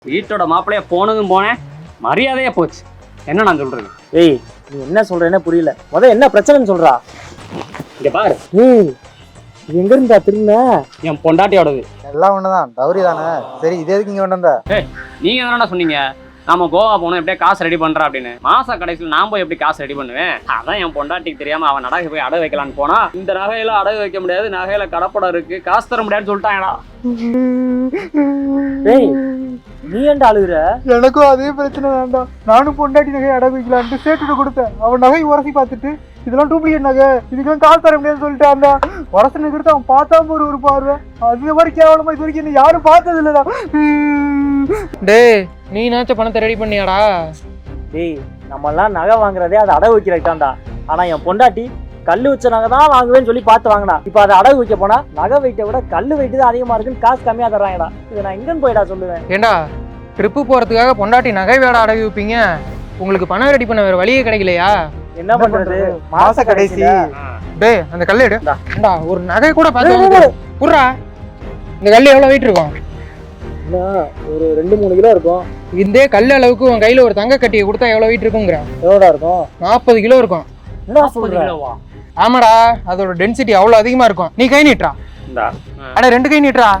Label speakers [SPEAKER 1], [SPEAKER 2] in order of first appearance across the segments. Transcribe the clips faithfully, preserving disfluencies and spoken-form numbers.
[SPEAKER 1] வீட்டோட மாப்பிள்ளைய போனதும் போனேன், மரியாதையே போச்சு. என்ன நான் சொல்றது?
[SPEAKER 2] ஏய், நீ என்ன சொல்றேன்னு புரியல. முத என்ன பிரச்சனைன்னு சொல்றா.
[SPEAKER 1] இங்க பாரு.
[SPEAKER 2] ஏய், எங்க இருந்தா திரும்ப?
[SPEAKER 1] என் பொண்டாட்டியோடது.
[SPEAKER 3] எல்லாம் ஒண்ணுதான், டவுரி தானே. சரி, இது எதுக்கு இங்க கொண்டு வந்த?
[SPEAKER 1] ஏய், நீங்க தானடா சொன்னீங்க நாம கோவா போனோம், எப்படியே காசு ரெடி பண்றா அப்படின்னு. மாச கடைசியில் நான் போய் எப்படி காசு ரெடி பண்ணுவேன்? அதான் என் பொண்டாட்டிக்கு தெரியாம அவன் நகை போய் அடகு வைக்கலான்னு போனா, இந்த நகையில அடகு வைக்க முடியாது, நகையில கடப்படம் இருக்கு, காசு தர முடியாதுன்னு சொல்லிட்டாங்கடா.
[SPEAKER 2] ஏய், நீ ஏன்டா அழுகுற?
[SPEAKER 3] எனக்கும் அதே பிரச்சனை வேண்டாம். நானும் பொண்டாட்டி நகை அடகு வைக்கலான்ட்டு சேட்டுட்டு கொடுத்தேன். அவன் நகை உரசி பார்த்துட்டு இதெல்லாம் டூப்ளிகேட் நகை, இதுக்கெல்லாம் காசு தர முடியாதுன்னு சொல்லிட்டு அந்த உரசனை கொடுத்து அவன் பார்த்தாம ஒரு ஒரு பார்வை. அது மாதிரி கேவலமா இது வரைக்கும் என்ன யாரும் பார்த்தது இல்லடா.
[SPEAKER 4] டேய், நீ நாச்ச பணத்தை ரெடி பண்ணியாடா?
[SPEAKER 2] டேய், நம்மெல்லாம் நகை வாங்குறதே அதை அடகு வைக்கிறதாண்டா. ஆனா என் பொண்டாட்டி கல்லு வச்ச நகை தான் வாங்குவேன்னு சொல்லி பார்த்து வாங்கினா. இப்போ அதை அடகு வைக்க போனா நகை வெயிட்டை விட கல்லு வெயிட்டு தான் அதிகமா இருக்குன்னு காசு கம்மியா தர்றாங்கடா. இதை நான் எங்கன்னு போயிடா சொல்லுவேன்?
[SPEAKER 4] ஏண்டா, ட்ரிப்பு போறதுக்காக பொண்டாட்டி நகை வேட அடகு வைப்பீங்க, உங்களுக்கு பணம் ரெடி பண்ண வேற வழியே கிடைக்கலையா?
[SPEAKER 2] என்ன பண்றது?
[SPEAKER 3] மாச கடைசி.
[SPEAKER 4] டேய், அந்த கல்லு எடு. ஏண்டா, ஒரு நகை கூட பார்த்து புர்றா. இந்த கல்லு எவ்வளவு வெயிட் இருக்கும்?
[SPEAKER 2] ஒரு ரெண்டு மூணு கிலோ இருக்கும்.
[SPEAKER 4] இந்த கல் அளவுக்கு உன் கையில ஒரு தங்க கட்டியை கொடுத்தா எவ்வளவு வெயிட் இருக்குங்கிற?
[SPEAKER 2] எவ்வளோடா இருக்கும்?
[SPEAKER 4] நாற்பது கிலோ இருக்கும்.
[SPEAKER 2] என்ன சொல்ற?
[SPEAKER 4] ஆமாடா, அதோட டென்சிட்டி அவ்வளவு அதிகமா இருக்கும். நீ கை நீட்டுறா. அட, ரெண்டு கை நீட்டுறா.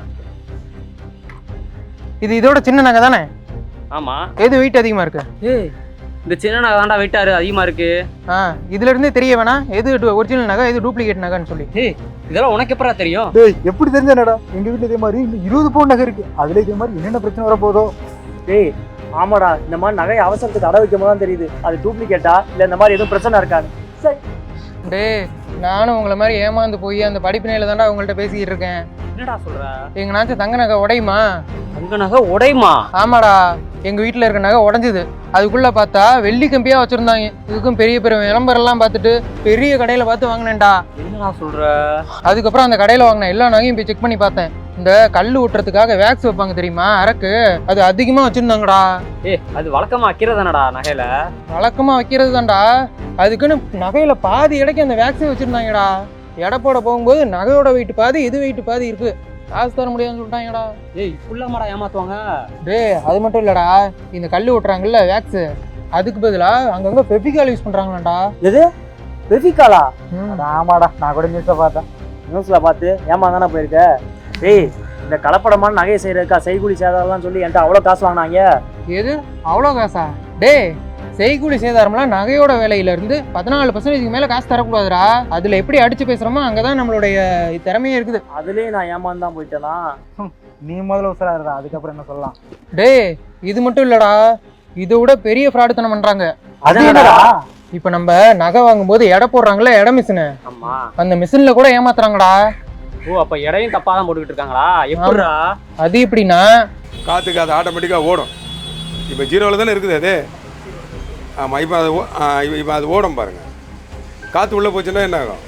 [SPEAKER 4] இது இதோட சின்ன நகை தானே?
[SPEAKER 1] ஆமா.
[SPEAKER 4] எது வெயிட் அதிகமா இருக்கு?
[SPEAKER 1] ஏய், இந்த சின்ன நகை தாண்டா வெயிட்டாரு அதிகமா இருக்கு.
[SPEAKER 4] ஆ, இதுல இருந்தே தெரிய வேணா எது ஒரிஜினல் நகை எது டூப்ளிகேட் நகைன்னு சொல்லி.
[SPEAKER 1] ஏய், இதெல்லாம் உனக்கு எப்பறா தெரியும்?
[SPEAKER 3] டேய், எப்படி தெரிஞ்சனடா? எங்க வீட்டுல இதே மாதிரி இன்னும் இருபது பவுன் நகை இருக்கு. அதுல இதே மாதிரி என்னென்ன பிரச்சனை வர போதோ.
[SPEAKER 2] டேய், ஆமாடா, இந்த மாதிரி நகை அவசரத்துக்கு அடகு வைக்கும் போது தான் தெரியுது அது டூப்ளிகேட்டா இல்ல இந்த மாதிரி எதுவும் பிரச்சனை இருக்காது. சரி.
[SPEAKER 4] டேய், நானும் உங்களை மாதிரி ஏமாந்து போய் அந்த படிப்பினையில தாண்டா உங்கள்கிட்ட பேசிக்கிட்டு இருக்கேன்.
[SPEAKER 1] என்னடா சொல்ற?
[SPEAKER 4] எங்கனாச்சும் தங்க நகை உடையுமா?
[SPEAKER 1] தங்க நகை உடையுமா?
[SPEAKER 4] ஆமாடா, எங்க வீட்டுல இருக்க நகை உடஞ்சுது. அதுக்குள்ள பார்த்தா வெள்ளி கம்பியா வச்சிருந்தாங்க. இதுக்கும் பெரிய பெரிய விளம்பரம் எல்லாம் பார்த்துட்டு பெரிய கடையில பார்த்து வாங்கினேன்டா.
[SPEAKER 1] என்னடா சொல்ற?
[SPEAKER 4] அதுக்கப்புறம் அந்த கடையில வாங்கின எல்லா நகையும் போய் செக் பண்ணி பார்த்தேன். இந்த கல் ஊட்டுறதுக்காக வேக்ஸ் வைப்பாங்க தெரியுமா, அரக்கு, அது அதிகமா வச்சிருந்தாங்கடா.
[SPEAKER 1] ஏ, அது வழக்கமா வைக்கிறதானடா நகையில?
[SPEAKER 4] வழக்கமா வைக்கிறது தான்டா. அதுக்குன்னு நகையில பாதி இடைக்கு அந்த வேக்ஸே வச்சிருந்தாங்கடா. எடை போட போகும்போது நகையோட வெயிட் பாதி, இது வெயிட் பாதி இருக்கு, காசு தர முடியாதுன்னு சொல்லிட்டாங்கடா.
[SPEAKER 1] ஏய், ஃபுல்லாமாடா ஏமாத்துவாங்க?
[SPEAKER 4] டேய், அது மட்டும் இல்லடா, இந்த கல் ஊட்டுறாங்கல்ல வேக்ஸ், அதுக்கு பதிலா அங்கங்க ஃபெவிகால் யூஸ் பண்றாங்களாடா.
[SPEAKER 2] எது? ஃபெவிகாலா? ஆமாடா, நான் கூட நியூஸ்ல பார்த்தேன். நியூஸ்ல பார்த்து ஏமாந்தானே போயிருக்க. டேய், இந்த கலப்படமான நகையை செய்யறதுக்கா செய்கூலி சேதாரம்லாம் சொல்லி என்கிட்ட அவ்வளோ காசு வாங்கினாங்க.
[SPEAKER 4] எது அவ்வளோ காசா? டேய், செய்கூலி சேதாரம்லாம் நகையோட விலையில இருந்து பதினாலு பர்சன்டேஜ்க்கு மேல காசு தரக்கூடாதுடா. அதுல எப்படி அடிச்சு பேசுறோமோ அங்கதான் நம்மளுடைய திறமையே இருக்குது.
[SPEAKER 2] அதுலயே நான் ஏமாந்து தான் போயிட்டேனா?
[SPEAKER 3] நீ முதல்ல உசரா இருந்தா, அதுக்கப்புறம் என்ன சொல்லலாம்?
[SPEAKER 4] டேய், இது மட்டும் இல்லடா, இதை விட பெரிய ஃப்ராடுத்தனம் பண்றாங்க.
[SPEAKER 2] அது என்னடா?
[SPEAKER 4] இப்ப நம்ம நகை வாங்கும் போது எடை போடுறாங்கல்ல, எடை மிஷினு,
[SPEAKER 1] ஆமா,
[SPEAKER 4] அந்த மிஷின்ல கூட ஏமாத்துறாங்கடா.
[SPEAKER 1] ஓ, அப்ப எடையும் தப்பா தான் போட்டுக்கிட்டு இருக்காங்களா? எப்படிடா
[SPEAKER 4] அது? எப்படின்னா,
[SPEAKER 5] காற்றுக்கு அது ஆட்டோமேட்டிக்காக ஓடும். இப்போ ஜீரோவில் தானே இருக்குது அது. ஆமாம், இப்போ அது இப்போ அது ஓடும் பாருங்கள். காற்று உள்ளே போச்சுன்னா என்ன ஆகும்?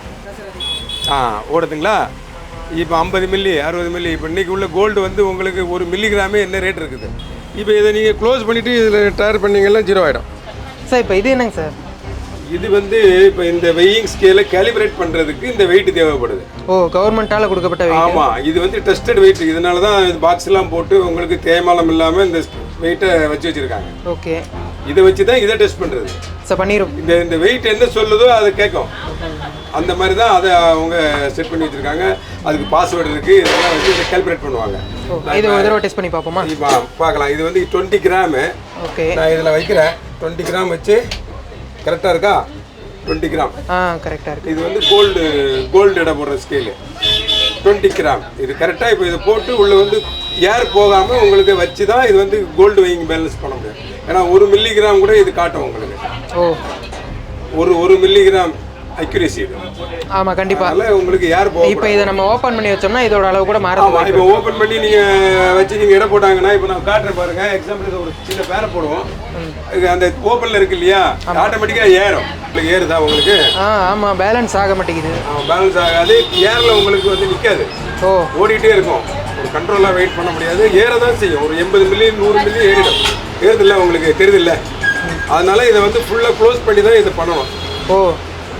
[SPEAKER 5] ஆ, ஓடுதுங்களா? இப்போ ஐம்பது மில்லி அறுபது மில்லி இப்போ இன்றைக்கி உள்ள கோல்டு வந்து உங்களுக்கு ஒரு மில்லிகிராமே என்ன ரேட் இருக்குது. இப்போ இதை நீங்கள் க்ளோஸ் பண்ணிவிட்டு இதில் டயர் பண்ணிங்கன்னா ஜீரோ ஆகிடும்.
[SPEAKER 4] சார் இப்போ இது என்னங்க சார்?
[SPEAKER 5] இது வந்து இப்போ இந்த வெயிங் ஸ்கேலை கேலிப்ரேட் பண்ணுறதுக்கு இந்த வெயிட் தேவைப்படுது.
[SPEAKER 4] ஓ, கவர்மெண்ட்டால் கொடுக்கப்பட்ட வெயிட்?
[SPEAKER 5] ஆமாம், இது வந்து டெஸ்டட் வெயிட். இதனால தான் இது பாக்ஸ்லாம் போட்டு உங்களுக்கு தேய்மானம் இல்லாமல் இந்த வெயிட்டை வச்சு வச்சுருக்காங்க.
[SPEAKER 4] ஓகே,
[SPEAKER 5] இதை வச்சு தான் இதை டெஸ்ட் பண்ணுறது.
[SPEAKER 4] சார் பண்ணிடும்.
[SPEAKER 5] இந்த இந்த வெயிட் என்ன சொல்லுதோ அதை கேட்கும். அந்த மாதிரி தான் அதை அவங்க செட் பண்ணி வச்சுருக்காங்க. அதுக்கு பாஸ்வேர்டு இருக்குது. இதெல்லாம் வச்சு இதை கால்குலேட் பண்ணுவாங்க.
[SPEAKER 4] இது ஒரு தடவை டெஸ்ட் பண்ணி பார்ப்போமா?
[SPEAKER 5] இப்போ பார்க்கலாம். இது வந்து டுவெண்ட்டி கிராமு.
[SPEAKER 4] ஓகே,
[SPEAKER 5] நான் இதில் வைக்கிறேன். டுவெண்ட்டி கிராம் வச்சு கரெக்டாக இருக்கா? Twenty gram.
[SPEAKER 4] ஆ, கரெக்டாக இருக்குது.
[SPEAKER 5] இது வந்து கோல்டு கோல்டு எடை போடுற ஸ்கேலு. டுவெண்ட்டி கிராம் இது கரெக்டாக. இப்போ இதை போட்டு உள்ளே வந்து ஏர் போகாமல் உங்களுக்கு வச்சு தான் இது வந்து கோல்டு வெயிங் பேலன்ஸ் பண்ண முடியும். ஏன்னா ஒரு மில்லிகிராம் கூட இது காட்டும் உங்களுக்கு.
[SPEAKER 4] ஓ,
[SPEAKER 5] ஒரு ஒரு மில்லிகிராம் அக்யூரேசி இது.
[SPEAKER 4] ஆமாம், கண்டிப்பாக.
[SPEAKER 5] அதனால் உங்களுக்கு ஏர் போகும்.
[SPEAKER 4] இப்போ இதை நம்ம ஓப்பன் பண்ணி வச்சோம்னா இதோட அளவு கூட மாறும்.
[SPEAKER 5] ஆமாம், இப்போ ஓப்பன் பண்ணி நீங்கள் வச்சு நீங்கள் எடை போட்டாங்கன்னா, இப்போ நான் காட்டுறேன் பாருங்கள். எக்ஸாம்பிளுக்கு ஒரு சின்ன பேரை போடுவோம். அந்த ஓப்பனில் இருக்கு இல்லையா, ஆட்டோமேட்டிக்காக ஏறும். உங்களுக்கு ஏறுதா உங்களுக்கு?
[SPEAKER 4] ஆ, ஆமாம், பேலன்ஸ் ஆக மாட்டேங்குது.
[SPEAKER 5] பேலன்ஸ் ஆகாது. ஏரில் உங்களுக்கு வந்து நிற்காது.
[SPEAKER 4] ஓ,
[SPEAKER 5] ஓடிட்டே இருக்கும். ஒரு கண்ட்ரோலாக வெயிட் பண்ண முடியாது. ஏற தான் செய்யும். ஒரு எண்பது மில்லி நூறு மில்லி ஏறிடும். ஏறுதில்ல உங்களுக்கு தெரியுதில்ல. அதனால இதை வந்து ஃபுல்லாக க்ளோஸ் பண்ணி தான் இதை பண்ணணும்.
[SPEAKER 4] ஓ,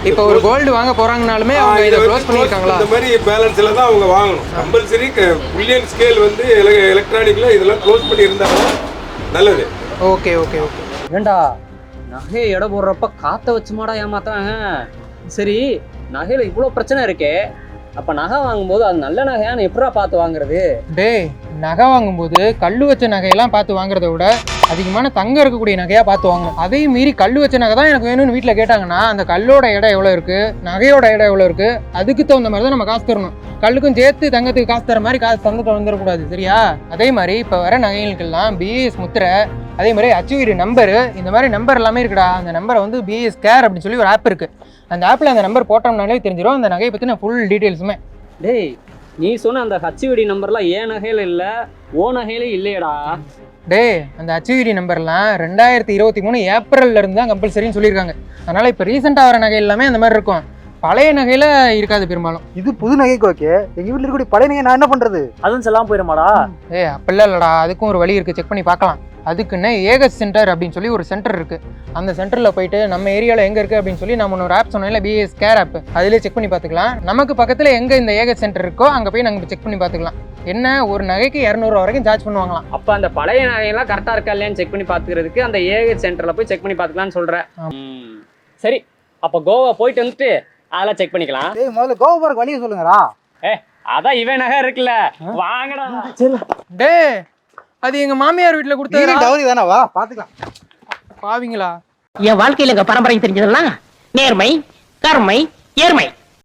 [SPEAKER 4] இப்போ ஒரு கோல்டு வாங்க போறாங்கனாலுமே அவங்க இதை க்ளோஸ் பண்ணியிருக்காங்களா?
[SPEAKER 5] இந்த மாதிரி பேலன்ஸில் தான் அவங்க வாங்கணும். கம்பல்சரி புல்லியன் ஸ்கேல் வந்து எலக்ட்ரானிக்கில் இதெல்லாம் க்ளோஸ் பண்ணி இருந்தாலும் நல்லது.
[SPEAKER 4] Okay okay okay.
[SPEAKER 1] ஏண்டா நகையை எடை போடுறப்ப காற்ற வச்சுமாடா ஏமாத்தாங்க. சரி, நகையில் இவ்வளோ பிரச்சனை இருக்கே, அப்போ நகை வாங்கும்போது அது நல்ல நகையான்னு எப்படா பார்த்து வாங்குறது?
[SPEAKER 4] டே, நகை வாங்கும்போது கல் வச்ச நகையெல்லாம் பார்த்து வாங்குறத விட அதிகமான தங்கம் இருக்கக்கூடிய நகையாக பார்த்து வாங்கணும். அதையும் மீறி கல் வச்ச நகை தான் எனக்கு வேணும்னு வீட்டில் கேட்டாங்கன்னா அந்த கல்லோட இடம் எவ்வளோ இருக்குது, நகையோட இடம் எவ்வளோ இருக்குது, அதுக்கு தகுந்த மாதிரி தான் நம்ம காசு தரணும். கல்லுக்கும் சேர்த்து தங்கத்துக்கு காசு தர மாதிரி காசு தந்துட்டு வந்துடக்கூடாது, சரியா? அதே மாதிரி இப்போ வர நகைகளுக்கெல்லாம் பிஏஎஸ் முத்திரை, அதே மாதிரி அச்சுவீடு நம்பரு, இந்த மாதிரி நம்பர் எல்லாமே இருக்குடா. அந்த நம்பரை வந்து பிஎஸ் கேர் அப்படின்னு சொல்லி ஒரு ஆப் இருக்குது. அந்த ஆப்பில் அந்த நம்பர் போட்டோம்னாலே தெரிஞ்சிடும் அந்த நகையை பற்றின ஃபுல் டீட்டெயில்ஸுமே.
[SPEAKER 1] டேய், நீ சொன்ன அந்த ஹச்விடி நம்பர்லாம் ஏன் நகையில் இல்லை, ஓ நகையிலே இல்லையடா?
[SPEAKER 4] டே, அந்த ஹச்விடி நம்பர்லாம் ரெண்டாயிரத்தி இருபத்தி மூணு ஏப்ரல்ல இருந்து தான் கம்பல்சரின்னு சொல்லியிருக்காங்க. அதனால் இப்போ ரீசெண்டாக வர நகை எல்லாமே அந்த மாதிரி இருக்கும், பழைய நகையில் இருக்காது பெரும்பாலும்.
[SPEAKER 3] இது புது நகைக்கு ஓகே, எங்கள் வீட்டில் இருக்கக்கூடிய பழைய நகை நான் என்ன பண்ணுறது?
[SPEAKER 2] அதுவும் செல்லாமல் போயிடுமாடா?
[SPEAKER 4] ஏ அப்படிலாம் இல்லைடா, அதுக்கும் ஒரு வழி இருக்குது, செக் பண்ணி பார்க்கலாம். அதுக்குன்னு ஏகஸ் சென்டர் அப்படின்னு சொல்லி ஒரு சென்டர் இருக்குது. அந்த சென்டரில் போயிட்டு நம்ம ஏரியாவில் எங்கே இருக்குது அப்படின்னு சொல்லி நம்ம ஒரு ஆப் சொன்னோம்ல, பிஎஸ் கேர் ஆப், அதிலே செக் பண்ணி பார்த்துக்கலாம். நமக்கு பக்கத்தில் எங்கே இந்த ஏகஸ் சென்டர் இருக்கோ அங்கே போய் நாங்கள் செக் பண்ணி பார்த்துக்கலாம். என்ன, ஒரு நகைக்கு இரநூறுவா வரைக்கும் சார்ஜ் பண்ணுவாங்களாம்.
[SPEAKER 1] அப்போ அந்த பழைய நகையெல்லாம் கரெக்டாக இருக்கா இல்லையான்னு செக் பண்ணி பார்த்துக்கிறதுக்கு அந்த ஏகே சென்டரில் போய் செக் பண்ணி பார்த்துக்கலான்னு சொல்கிறேன். சரி, அப்போ கோவா போயிட்டு வந்துட்டு அதெல்லாம் செக் பண்ணிக்கலாம்.
[SPEAKER 3] ஏய், முதல்ல கோவா போகிற வழியை சொல்லுங்கடா.
[SPEAKER 1] ஏ, அதான் இவன் நகை இருக்குல்ல, வாங்கடா.
[SPEAKER 4] டே, அது எங்கள் மாமியார் வீட்டில் கொடுத்தா
[SPEAKER 3] டவுரி தானே, வா பார்த்துக்கலாம்.
[SPEAKER 4] பாவீங்களா?
[SPEAKER 6] என் வாழ்க்கையில எங்க பரம்பரை தெரிஞ்சதெல்லாம் நேர்மை, கருமை, ஏர்மை.